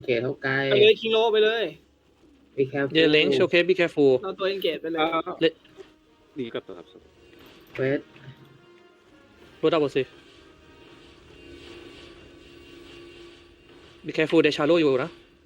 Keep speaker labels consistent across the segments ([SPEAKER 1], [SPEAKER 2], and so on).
[SPEAKER 1] เขตเท่าไกล
[SPEAKER 2] ไปเลยคิงโลไปเลย
[SPEAKER 1] be careful
[SPEAKER 3] เยเลงโชเคส be careful
[SPEAKER 2] เราตัวเองเกตไปเลย
[SPEAKER 4] ดีกับตัวครับ
[SPEAKER 1] เฟส
[SPEAKER 3] รู้ดับเบิลสิ be careful เดชาโลอยู่นะ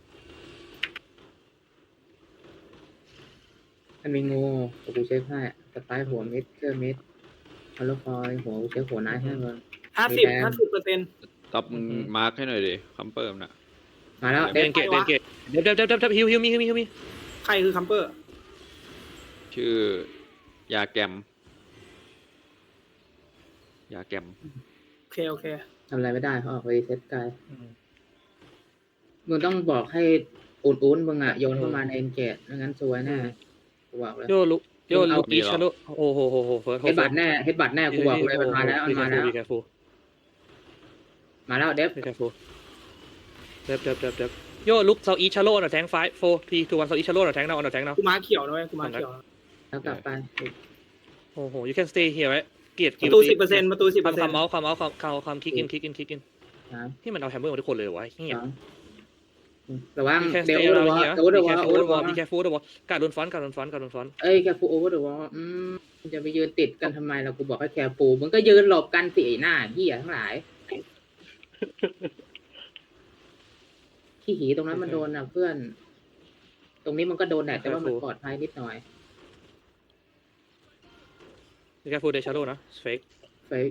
[SPEAKER 1] มันมีงูกูเช็คให้สไปหัวมิดเชื่อมิดฮัลโหลคอยหัวกูเช็คหัวนายให้ก่อน
[SPEAKER 2] 50%
[SPEAKER 4] ท็อปมึงมาร์คให้หน่อยดิคัมเปิร์มนะ
[SPEAKER 1] มาแล้ว
[SPEAKER 3] เดนเกตเดฟฮิวมี
[SPEAKER 2] ใครคือคัมเปอร์
[SPEAKER 4] ชื่อยาแกม
[SPEAKER 2] โอเค
[SPEAKER 1] ทำอะไรไม่ได้เขาออกไปเซตไกลมึงต้องบอกให้อุ่นมึงอ่ะโยนเข้ามาในเอ็นเกตไม่งั้นซวยแน่กูบอกเลย
[SPEAKER 3] โยลุอีชาโลโอ้โหเฟิร์ส
[SPEAKER 1] เฮดบัตแน่กูบอกเลยมันมาแล้ว
[SPEAKER 3] be careful
[SPEAKER 1] มาแล้วเดฟ
[SPEAKER 3] be careful เดฟโยลุกเซาอีชาโลน่ะแทง5 4 3 2 1เซาอีชาโลน่ะแทงnow on the tank now
[SPEAKER 2] กูมาเขียวนะเว้ยกูมาเขียว
[SPEAKER 1] แล้วกลับไป
[SPEAKER 3] โอ้โห you can stay here ไว้เกียรติ
[SPEAKER 2] ประตู 10%ประตู 10%
[SPEAKER 3] ความเมาส์ความคิกอินที่มันเอาแฮมเมอร์มาทุกคนเลยวะเฮีย
[SPEAKER 1] ระวัง
[SPEAKER 3] you can
[SPEAKER 1] เดี๋ยว
[SPEAKER 3] stay
[SPEAKER 1] โอเวอ
[SPEAKER 3] around
[SPEAKER 1] ร์วอ
[SPEAKER 3] here
[SPEAKER 1] ลโอเวอ
[SPEAKER 3] be
[SPEAKER 1] ร์วอล
[SPEAKER 3] careful over the wall be careful over the wall การโดนฟอน
[SPEAKER 1] เอ้ยแคฟูโอเวอร์เดอะวอลจะไปยืนติดกันทำไมเรากูบอกให้แคฟูมึงก็ยืนหลบกันสิหน้าเหี้ยทั้งหลายขี้หีตรงนั้นมันโดนนะเพื่อน ตรงนี้มันก็โดนแหละแต่ว่ามันปลอดภัยนิดหน่อย
[SPEAKER 3] be careful เดชาโลนะ fake
[SPEAKER 1] เฟก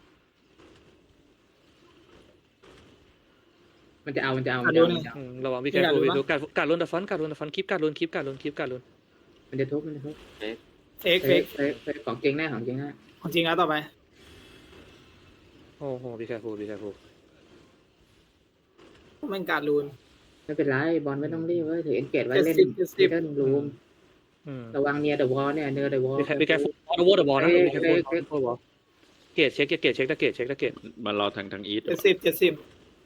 [SPEAKER 1] มันจะเอา
[SPEAKER 3] ระวัง be careful ดูการลุ้น the front คลิปการลุ้น
[SPEAKER 1] มันจะทุบ
[SPEAKER 2] เฟก
[SPEAKER 1] ของจริงแน่
[SPEAKER 2] ของจริงแล้วต่อไป
[SPEAKER 3] โอ้โห be careful
[SPEAKER 2] มันการลูน
[SPEAKER 1] ไม่เป็นไรบอลไม่ต้องรีบเว้ยถือเอ็นเกตไว้เล่น
[SPEAKER 2] 70
[SPEAKER 1] เล่นรูมระวังเนียเดอะวอลเนี่ยเนียเดอะวอล
[SPEAKER 3] be careful over the wall นะ be careful over the wall เกตเช็คตะเกต
[SPEAKER 4] มันรอทางอีท
[SPEAKER 2] 70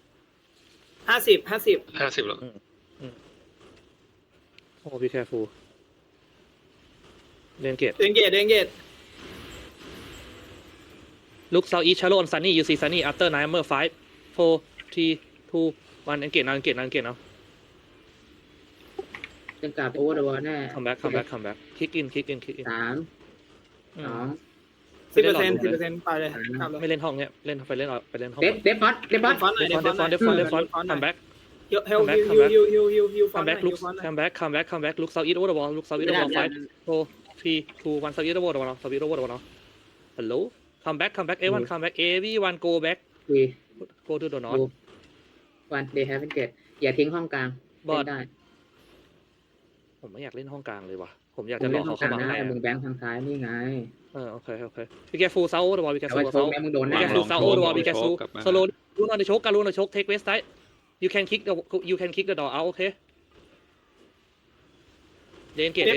[SPEAKER 2] 50
[SPEAKER 4] แล้ว
[SPEAKER 3] โอ้ be careful เล่นเกต
[SPEAKER 2] เดนเกต
[SPEAKER 3] look south east shallow on sunny you see sunny after 9 number 5 4 3 2 1 engage now
[SPEAKER 1] จะกลับโอเวอร์เดอะวอลแน่
[SPEAKER 3] come back kick in
[SPEAKER 1] 3 2
[SPEAKER 2] 10% ไปเลย
[SPEAKER 3] ไม่เล่นห้องเนี้ยเล่นไปเล่นห้อง
[SPEAKER 1] เดฟบอส
[SPEAKER 2] ฟอน
[SPEAKER 3] come back
[SPEAKER 2] come back
[SPEAKER 3] come back look south east over the wall 5 4 3 2 1 south east over the wall hello come back everyone come back everyone go back
[SPEAKER 1] คุย
[SPEAKER 3] go to the north
[SPEAKER 1] วันเดย์แฮปเป็นเกตอย่าทิ้งห้องกลาง
[SPEAKER 3] บอส
[SPEAKER 1] ได้
[SPEAKER 3] ผมไม่อยากเล่นห้องกลางเลยว่ะผมอยากจะรอเขาเข้ามาให้
[SPEAKER 1] มึงแบงค์ทางซ้ายนี่ไง
[SPEAKER 3] โอเคbe careful south over the wall be
[SPEAKER 1] แต่
[SPEAKER 3] careful
[SPEAKER 1] ว่าโชค
[SPEAKER 3] south
[SPEAKER 1] แม่มึงโดน
[SPEAKER 3] be
[SPEAKER 1] แน่
[SPEAKER 3] careful south over the wall be careful slow ลูนon the choke การลูน on the choke take west side you can kick the door out okay เล่นเกต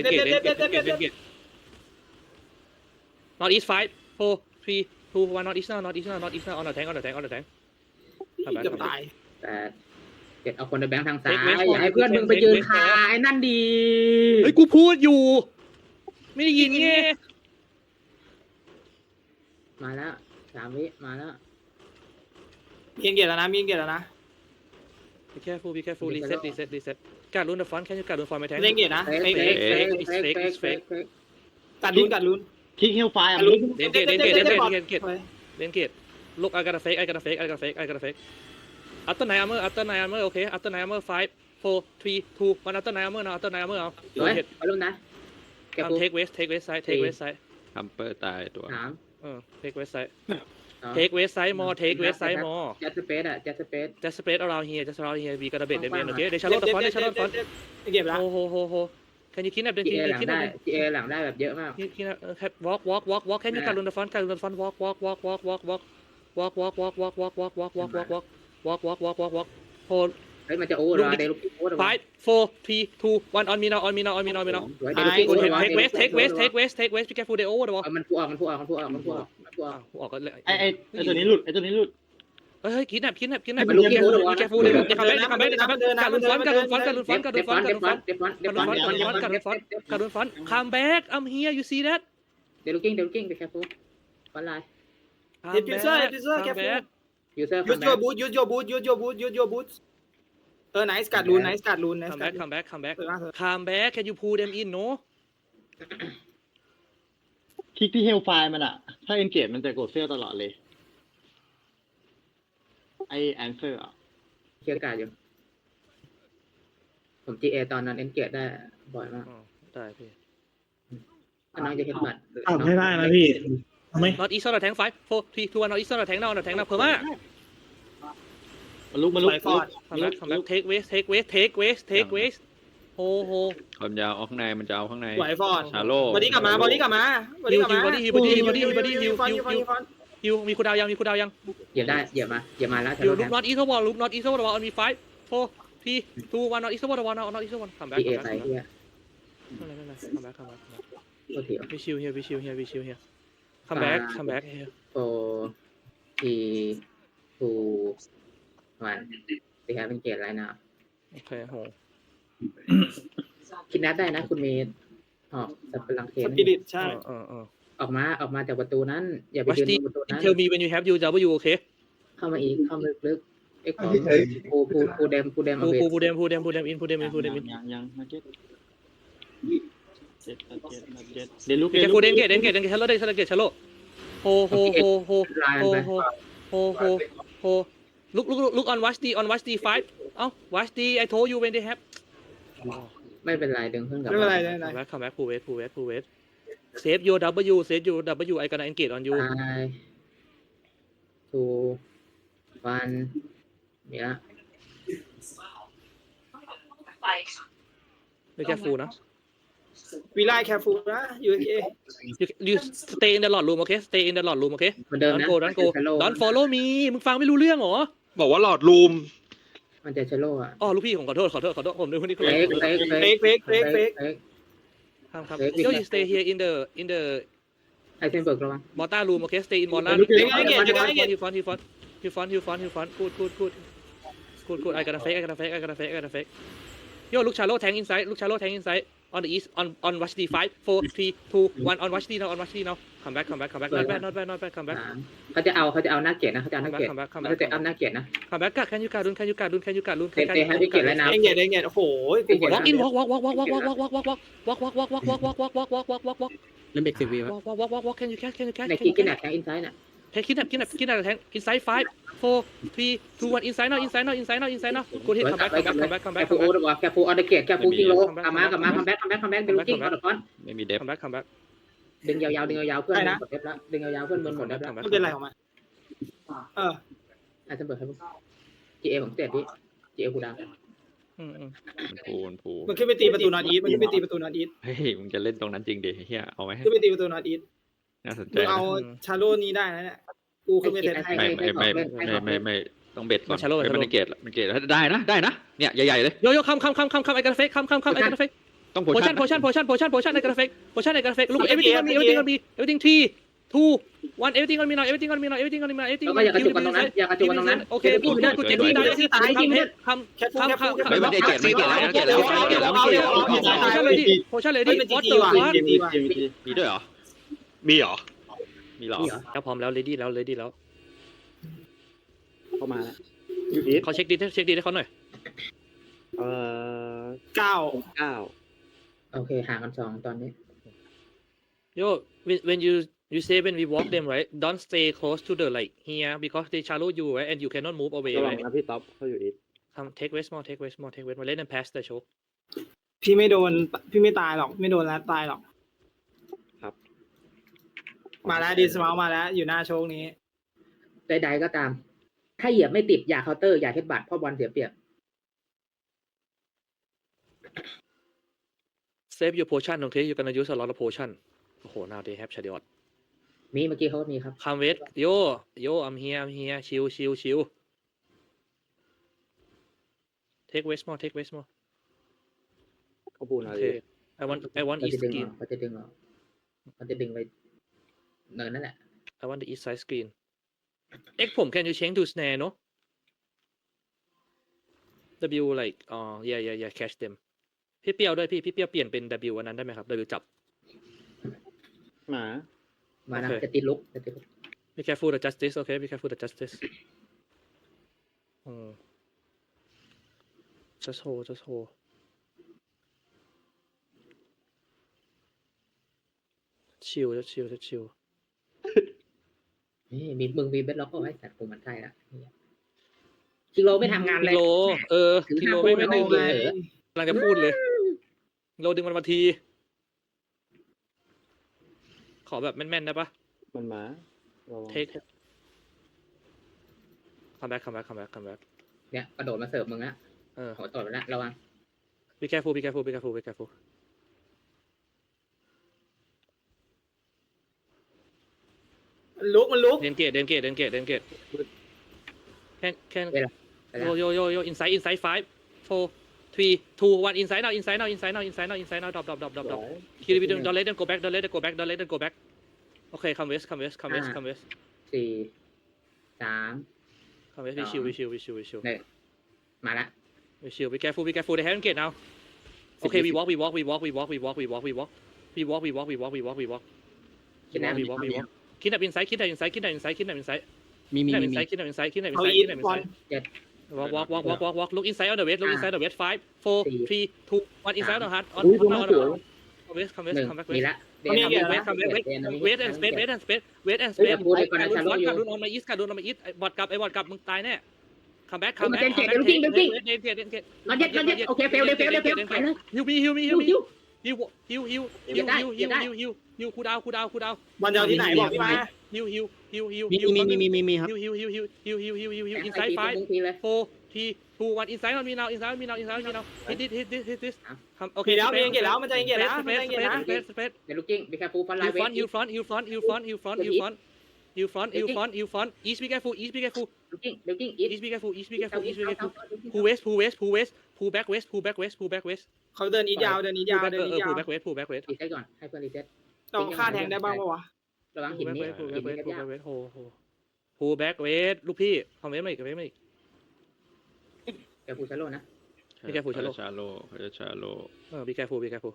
[SPEAKER 3] not east 5 4 3 2 1 not east now on the tank
[SPEAKER 2] เกือบตาย
[SPEAKER 1] แต่เกตเอาคนในแบงค์ทางซ้ายอย่าให้เพื่อนมึงไปยืนคาไอ้นั่นดี
[SPEAKER 3] เฮ้ยกูพูดอยู่ไม่ได้ยินไง
[SPEAKER 1] มาแล้ว3 วิมาแล้ว
[SPEAKER 2] มีเกตแล้วนะ
[SPEAKER 3] be careful reset การลุ้น the front แค่การลุ้น front ไม่แทง
[SPEAKER 2] เล่นเกตนะ
[SPEAKER 3] fake
[SPEAKER 2] กัดลูน
[SPEAKER 5] คิกฮิลไฟอ่ะ
[SPEAKER 3] เล่นเกต look I gotta fake after 9 armor okay after 9 armor 5 4 3 2 1 after 9 armor now after 9 armor now
[SPEAKER 1] เฮ้ยไปลุ้นนะเก็บ
[SPEAKER 3] come take west side
[SPEAKER 4] คัมเปอร์ตายตัว
[SPEAKER 3] take west side more take west side more
[SPEAKER 1] จัดสเปซอะจัดสเปซ
[SPEAKER 3] just spread around here we gotta bait them in okay they shallow the front
[SPEAKER 2] เก็บแล้ว
[SPEAKER 3] ho can you kidnap them
[SPEAKER 1] จีเอหลังได้จีเอหลังได้แบบเยอะมาก
[SPEAKER 3] walk can you การลุ้น the front walk hold
[SPEAKER 1] เฮ้ยมันจะโอเวอร์เดลุกโอเวอร์
[SPEAKER 3] 5 4 3 2 1 on me now
[SPEAKER 1] เดี๋ยว
[SPEAKER 3] take west be careful they over the wall
[SPEAKER 1] มันพุ่งออก
[SPEAKER 3] ออกก็เลย
[SPEAKER 5] ไอตัวนี้หลุด
[SPEAKER 3] เฮ้ยคิดแนบ
[SPEAKER 1] มันลุก
[SPEAKER 3] be careful เลยการลุ้นฟอนcome back I'm here you see that
[SPEAKER 1] เดลุกิ้งไปแคปฟูฟอนไลน์
[SPEAKER 2] Diffuser careful
[SPEAKER 1] user
[SPEAKER 2] use your boot ไนส์การ์ดรูนไนส์การ์ดรูนไนส์
[SPEAKER 3] come
[SPEAKER 2] การ์
[SPEAKER 3] back
[SPEAKER 2] ด
[SPEAKER 3] come back come back
[SPEAKER 2] สวยมากเลย
[SPEAKER 3] come back can you pull them in no
[SPEAKER 5] คลิกที่เฮลไฟมันอะถ้าเอนเกจมันจะกดเฟลตลอดเลยไอแอนเซอร์อะ
[SPEAKER 1] เคลียร์การ์ดอยู่ผม GA ตอนนั้นเอนเกตได้บ่อยมาก
[SPEAKER 3] อ๋อได้พี่
[SPEAKER 1] ถ้าน้องจะเห็นบัตร
[SPEAKER 6] ไม่ได้นะพี่ทำไม
[SPEAKER 3] not east on the tank 5 4 3 2 1 not east on the tank now on the tank now เพิ่มมา
[SPEAKER 5] มันลุก
[SPEAKER 2] สวยฟอร์ด
[SPEAKER 3] come back come back take waste take waste take waste take waste โฮโฮ
[SPEAKER 4] ความยาวเอาข้างในมันจะเอาข้างใน
[SPEAKER 2] สวยฟอร์ด
[SPEAKER 4] ชาโล
[SPEAKER 2] บอดี้กลับมาบอดี้กลับมาบอดี้กลับมา
[SPEAKER 3] ฮิวมีคูดาวยังมีคูดาวยัง
[SPEAKER 1] เหยียบได้เหยียบมาแล้ว
[SPEAKER 3] ฮิวลุก not east wall ลุก not east wall on me 5 4 3 2 1 not east wall not east wall come back
[SPEAKER 1] GA
[SPEAKER 3] come
[SPEAKER 1] ไป
[SPEAKER 3] back
[SPEAKER 1] เฮีย
[SPEAKER 3] come back come back
[SPEAKER 1] โอเค
[SPEAKER 3] we chill here we chill here we chill here come back come back here
[SPEAKER 1] 4 3 2 1 they have engaged right now
[SPEAKER 3] โอเคโห
[SPEAKER 1] คิดนัดได้นะคุณเมย์ออกสับพลังเท
[SPEAKER 2] ส
[SPEAKER 1] น
[SPEAKER 2] ปิริตใช่
[SPEAKER 1] ออกมาจากประตูนั้น อย่าไป
[SPEAKER 3] watch
[SPEAKER 1] ยืน
[SPEAKER 3] the
[SPEAKER 1] ประตูนั้น
[SPEAKER 3] tell me when you have UW okay
[SPEAKER 1] เข้ามาอีกเข้ามาลึกๆไอ้ของปูเดมเอาเบส
[SPEAKER 3] pull them in pull them in
[SPEAKER 5] ยังมาเก็ตเดี๋ยวลุก
[SPEAKER 3] แกฟูเดนเกตชาโลเดนชาโลโฮlook on watch the 5เอ้า watch the I told you when they have
[SPEAKER 1] ไม่เป็นไรดึงเพิ่งกลับ
[SPEAKER 2] ไม่เป็นไรไม่เป็นไร
[SPEAKER 3] come back pull wait save your W I gonna engage on you
[SPEAKER 1] 2 1เนี่ย
[SPEAKER 3] be careful นะ
[SPEAKER 2] วีไลแคฟูนะ USA
[SPEAKER 3] you stay in the lot room okay stay in the lot room okay
[SPEAKER 1] เหมือนเดิมนะ
[SPEAKER 3] don't follow me มึงฟังไม่รู้เรื่องเหรอ
[SPEAKER 6] บอกว่าหลอดรูม
[SPEAKER 1] มันจะเชโลอ่ะ
[SPEAKER 3] อ๋อลูกพี่ผมขอโทษผมนึกว่านี่คือ
[SPEAKER 1] เฟก
[SPEAKER 3] ครับ yo you stay here in the
[SPEAKER 1] ไอเซนเบิร์กระวัง
[SPEAKER 3] mortar room okay stay in mortar
[SPEAKER 2] Look at it. good I gotta fake yo look shallow tank inside on the east on watch D 5 4 3 2 1 on watch D now come back not bad come back
[SPEAKER 1] เขาจะเอาหน้าเกียรตินะเขาจะเอาหน้าเกียรติเขาจะเอาหน้าเกียรตินะ
[SPEAKER 3] come back can youการุน
[SPEAKER 1] เตะให้เกียรติแล้วนะ
[SPEAKER 2] เองเกตโอ้โหกูกด
[SPEAKER 3] walk in walk
[SPEAKER 6] เล่นเบรก10 วิว
[SPEAKER 3] walk can you catch
[SPEAKER 1] ในคิกกินแอคแทงอินไซด์น่ะ
[SPEAKER 3] kidnap tank inside 5 4 3 2 1 inside now good hit come back
[SPEAKER 1] แคปูโอเดอร์แคปูออเดอร์เกียรติแคปูกิโลกลับมาคัมแบ็กเดลูกิ้งออเดอร์ฟอน
[SPEAKER 4] ไม่มีเดฟ
[SPEAKER 3] come back
[SPEAKER 1] ดึงยาวๆเพื่อนหมดเดฟแล้วดึงยาวๆเพื่อนหมดเดฟแล้ว
[SPEAKER 2] ไม่เป็นไรของมัน
[SPEAKER 1] ไอเซนเบิร์กครับ GA ของเตะพี่ GA กูดาว
[SPEAKER 4] มันพู
[SPEAKER 2] มันขึ้นไปตีประตูนอตอีทมันขึ้นไปตีประตูนอตอีท
[SPEAKER 4] เฮ้ยมึงจะเล่นตรงนั้นจริงดิเฮียเอาไหม
[SPEAKER 2] ขึ้นไปตีประตูนอตอีท
[SPEAKER 4] น่าสนใจ
[SPEAKER 2] มึงเอาชาโลนี้ได้นะเนี่ยกูขึ้นไปเซตให้
[SPEAKER 4] ไม่ต้องเบ็ดก่อนมันเกตได้นะเนี่ยใหญ่ๆเลย
[SPEAKER 3] yo come I gotta fake come I gotta fake
[SPEAKER 4] ต้อง
[SPEAKER 3] potion I gotta fake look everything on me everything 3 2 1 everything on me now everything
[SPEAKER 1] แล้วก็อย่ากระจุกกันตรงนั้นอย่ากระจุกกันตรงนั้น
[SPEAKER 3] โอเคกูเจ็บที่ได้คำ
[SPEAKER 2] แคฟูแคฟู
[SPEAKER 4] ไม่ได้เกตแล้ว
[SPEAKER 3] potion เลยดิwhat the fuck
[SPEAKER 4] มีด้วยเหรอ
[SPEAKER 6] มีเหรอ
[SPEAKER 4] มีหรอ
[SPEAKER 3] แล้วพร้อมแล้ว ready แล้ว
[SPEAKER 5] เข้ามาแล้วยูอีท
[SPEAKER 3] เขาเช็คดีให้เขาหน่อย
[SPEAKER 2] 9
[SPEAKER 1] โอเคห่างกัน2ตอนนี้
[SPEAKER 3] yo when you say when we walk them right don't stay close to the like here because they shallow you right and you cannot move away
[SPEAKER 5] ระวัง
[SPEAKER 3] right
[SPEAKER 5] นะพี่ต๊อปเขาอยู่อีท
[SPEAKER 3] come take west more มาเล่นand pass the show
[SPEAKER 2] พี่ไม่โดนพี่ไม่ตายหรอกไม่โดนแล้วตายหรอกมาแล้วดีสมาร์มาแล้วอยู่หน้าโชคนี้
[SPEAKER 1] ใดๆก็ตาม ถ้าเหยียบไม่ติดอย่าเคาน์เตอร์อย่าเฮดบัตเพราะบอลเสียเปรียบ
[SPEAKER 3] save your potion okay you're gonna use a lot of potion โอ้โห now they have shadiot
[SPEAKER 1] มีเมื่อกี้เขาก็มีครับ
[SPEAKER 3] come west yo I'm here chill take west more
[SPEAKER 5] เขาพูดอะไร
[SPEAKER 3] okay I want
[SPEAKER 1] เขา
[SPEAKER 3] east
[SPEAKER 1] จะดึง
[SPEAKER 3] screen
[SPEAKER 1] เขาจะดึงไปเนินนั่นแหละ
[SPEAKER 3] I want the east side screen X ผม can you change to snare no W like yeah catch them พี่เปียวด้วยพี่เปียวเปลี่ยนเป็น W อันนั้นได้ไหมครับ W จับ
[SPEAKER 5] มา
[SPEAKER 1] นะ
[SPEAKER 3] Okay.
[SPEAKER 1] จะติดลุก
[SPEAKER 3] be careful the justice okay be careful the justice
[SPEAKER 2] just hold just hold ชิล just chill just chill
[SPEAKER 1] นี่มีมึงมีเบ็ดล็อกก็ไว้สัตว์กูมันใช่ละคิโลไม่ทำงานเลย
[SPEAKER 2] กิโลกิโลไม่ดึงเลย
[SPEAKER 1] เหรอก
[SPEAKER 2] ำลังจะพูดเลยกิโลดึงมันมาทีขอแบบแม่นๆได้ปะ
[SPEAKER 5] มันมาระวัง
[SPEAKER 2] take come back come back come back come back
[SPEAKER 1] เนี่ยกระโดดมาเสิร์ฟมึงละหัวตดไปละระวัง
[SPEAKER 2] be careful be careful be careful be careful
[SPEAKER 3] มันลุก
[SPEAKER 2] เดนเกตเดนเกตเดนเกตเดนเกตแค่
[SPEAKER 1] ไปละ
[SPEAKER 2] yo inside 5 4 3 2 1 inside now inside now inside now inside now inside now drop kill it don't let them go back don't let them go back don't let them go back okay come west come west come west come west
[SPEAKER 1] สี่สาม
[SPEAKER 2] come west we chill we chill we chill we chill
[SPEAKER 1] หนึ่งมาละ
[SPEAKER 2] we chill be careful be careful they haven't get now okay we walk we walk we walk we walk we walk we walk we walk we walk we walk we walk we walk we walk
[SPEAKER 1] คิดนะ
[SPEAKER 2] we walk we walk kidnap inside kidnap inside kidnap inside kidnap inside
[SPEAKER 6] มี
[SPEAKER 2] kidnap inside kidnap inside kidnap inside kidnap inside walk look inside on the west look inside the west 5 4 3 2 1 inside the heart on the west come west
[SPEAKER 1] หนึ่ง
[SPEAKER 2] come back
[SPEAKER 1] มี
[SPEAKER 2] west
[SPEAKER 1] ละ
[SPEAKER 2] come back west and space west and space west and space การุนออกมา east การุนออกมา east บอดกลับไอ้บอดกลับมึงตายแน่ come back come back
[SPEAKER 1] นอนเย็ดโอเคเฟลไปเลย
[SPEAKER 2] ฮิวคูดาว
[SPEAKER 3] บอลจะเอาที่ไหนบอกพี่มา
[SPEAKER 2] ฮิว
[SPEAKER 6] มีครับ
[SPEAKER 2] อินไซด์5 4 3 2 1 inside on me now inside on me now hit this โอเค
[SPEAKER 3] แล้วมันจะแล้วมันจะแล้ว
[SPEAKER 2] space
[SPEAKER 1] เดี๋ยวลูกกิ้งบีคาฟูฟันไลน์เวท
[SPEAKER 2] you front east be careful
[SPEAKER 1] ลูกกิ้งอี
[SPEAKER 2] east be careful pull back west
[SPEAKER 3] เขาเดินอีทยาว
[SPEAKER 2] pull back west
[SPEAKER 1] รีเซ็ตก่อนให้เพื่อนรีเซ็ต
[SPEAKER 3] ต้องฆ่าแทงได้บ้างปะวะ
[SPEAKER 1] ระวังหินนี่หินนี่ยาก
[SPEAKER 2] pull back west ลูกพี่คอมเมนต์มาอีก
[SPEAKER 1] แกฟูชาโลนะ
[SPEAKER 4] ชาโล
[SPEAKER 2] be careful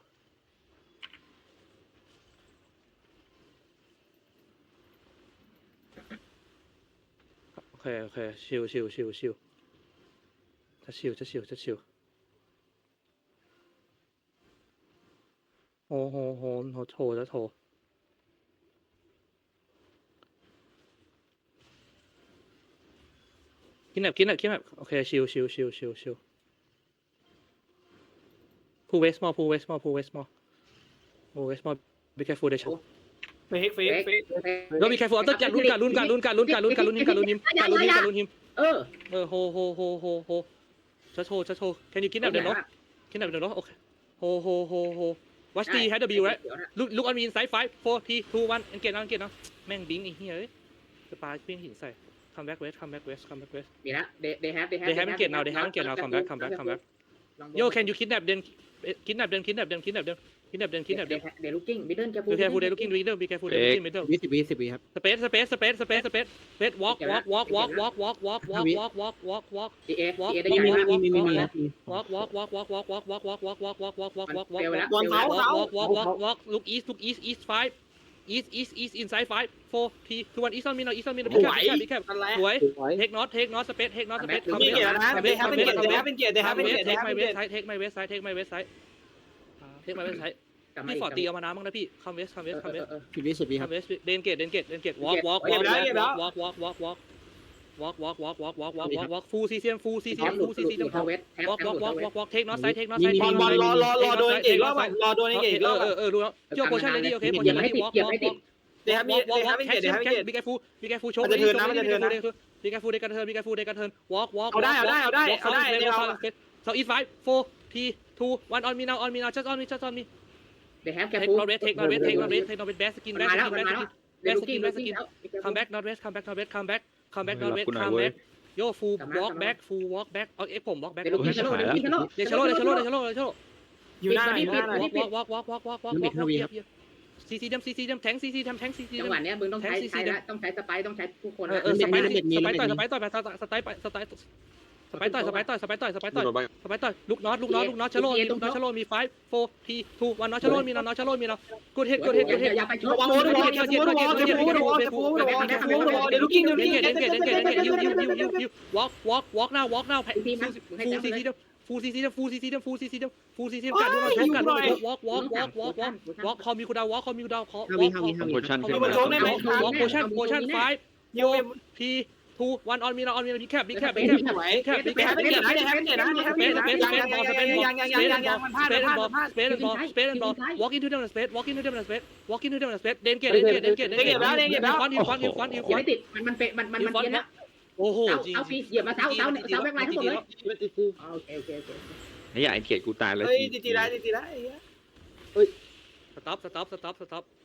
[SPEAKER 2] โอเคชิลจะชิลโหโถจะโถกินแบบโอเคชิลpull west more be careful เดช
[SPEAKER 3] เฟก
[SPEAKER 2] no be careful ต้องการลุ้นหิมโหจะโช can you กินแบบเดินเนาะโอเคโห watch the head of you right look on me inside 5 4 3 2 1 engage now แม่งบิงไอ้เหี้ยเอ้ยจะปาเพี้ยนหินใส่ come back west
[SPEAKER 1] มีละthey have
[SPEAKER 2] engage now come back yo can you kidnap them
[SPEAKER 1] เดี๋ยวลูกกิ้งมิดเดิลแกฟู
[SPEAKER 2] be careful they looking middle be careful they looking middle
[SPEAKER 6] 20 ครับ
[SPEAKER 2] space walk walk
[SPEAKER 1] ดีเอได้
[SPEAKER 6] มี
[SPEAKER 1] ยัง
[SPEAKER 2] walk look east 5 east inside 5 4 3 2 1 east on me now be careful
[SPEAKER 3] อะไร
[SPEAKER 2] สวย take not space
[SPEAKER 3] มีเกียรตินะได้เป็นเกียรติ
[SPEAKER 2] take my west side พี่ฟอร์ตีเอามาน้ำบ้างนะพี่ come west
[SPEAKER 6] 10 ครับ
[SPEAKER 2] come west เดนเกต walk full CCM walk take not side
[SPEAKER 3] บอลรอโดนอีกรอบรอโดนอีกรอบ
[SPEAKER 2] ดูแล้วเกี่ยวโพชั่นเลยดิโอเคโพชั่นเลยดิ walk
[SPEAKER 3] เดี๋ยวมีเกียรติ
[SPEAKER 2] be careful โชว์ be careful they can turn walk
[SPEAKER 3] เอาได้
[SPEAKER 2] so east 5 4 3 2 1 on me now just on me
[SPEAKER 1] they have แก
[SPEAKER 2] take
[SPEAKER 1] ฟู
[SPEAKER 2] not west take not west best skin come back not west come back yo full walk back เอาเอ็กผม walk back
[SPEAKER 1] เดี๋ยวลูกกิ้งชาโล
[SPEAKER 3] อยู่หน้า
[SPEAKER 2] walk CC ดำแทง CC ดำ
[SPEAKER 1] จังหวะเนี้ยมึงต้องใช้สไปต้องใช้ทุกคน
[SPEAKER 2] สไปต่อยลูกน็อตชะโลมี5 4 3 2 1น็อตชะโลมีนะกูเฮ็ด
[SPEAKER 1] อย่าไปชก
[SPEAKER 3] เดี๋ยวลูกกิ้ง
[SPEAKER 2] walk now
[SPEAKER 1] ทีม
[SPEAKER 2] full CC ฟูลซีซีฟูลซีซีฟูลซีซีฟูลซีซีกัดดูหน่อยกัดดูหน่อยวอล์กคอมมิวคูดาววอล์กคอมมิวคูดาวคอ
[SPEAKER 6] ฮาวิฮาวิ
[SPEAKER 4] โพชั่นขึ้น
[SPEAKER 2] ว
[SPEAKER 4] มา
[SPEAKER 2] อล์กโพชั่น5 4 2 1 on me บิ๊กแคปบิ๊กแคปบิ๊กแคปบิ๊กแคปบิ๊กแคป
[SPEAKER 7] ไม่เห็นนะไม่เห็นนะไม่เห็นนะยัง
[SPEAKER 2] space and ball walk into them in space walk into them in space เดนเกต
[SPEAKER 1] ไม่ติดมันเปะมันเย็นแล้ว
[SPEAKER 2] โอ้โห
[SPEAKER 1] เอาปีเหยียบมาเท้าแบกไลน์ทั้งหมดเลยโอเค
[SPEAKER 4] ไอ้ยาไอ้เกตกูตายเลย
[SPEAKER 7] เฮ้ยดีได้
[SPEAKER 2] stop